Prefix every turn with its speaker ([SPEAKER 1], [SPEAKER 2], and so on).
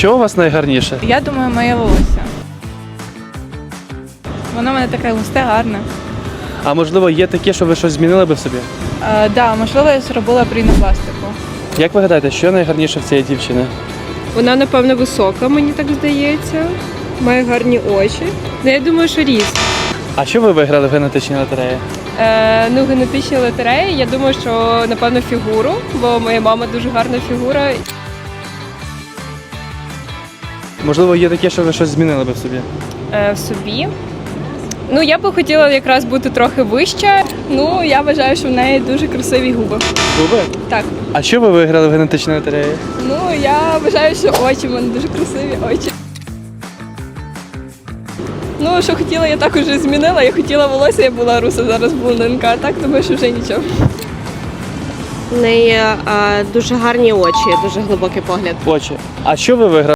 [SPEAKER 1] що у вас найгарніше?
[SPEAKER 2] Я думаю, моє волосся. Воно в мене таке густе, гарне.
[SPEAKER 1] А можливо, є таке, що ви щось змінили би в собі?
[SPEAKER 2] Да, можливо, я зробила рінопластику.
[SPEAKER 1] Як ви гадаєте, що найгарніше в цієї дівчини?
[SPEAKER 3] Вона, напевно, висока, мені так здається. Має гарні очі. Ну, я думаю, що ріст.
[SPEAKER 1] А що ви виграли в генетичній лотереї?
[SPEAKER 3] Ну, генетичні лотереї, я думаю, що, напевно, фігуру, бо моя мама дуже гарна фігура.
[SPEAKER 1] Можливо, є таке, що ви щось змінили би в собі?
[SPEAKER 3] В собі. Ну, я би хотіла якраз бути трохи вища.
[SPEAKER 2] Ну, я вважаю, що в неї дуже красиві губи.
[SPEAKER 1] Губи?
[SPEAKER 2] Так.
[SPEAKER 1] А що ви виграли в генетичній лотереї?
[SPEAKER 2] Ну, я вважаю, що очі в мене дуже красиві очі. Ну, що хотіла, я також змінила. Я хотіла волосся, я була руса, зараз блондинка, а так думаю, що вже нічого.
[SPEAKER 4] В неї дуже гарні очі, дуже глибокий погляд.
[SPEAKER 1] Очі. А що ви виграли?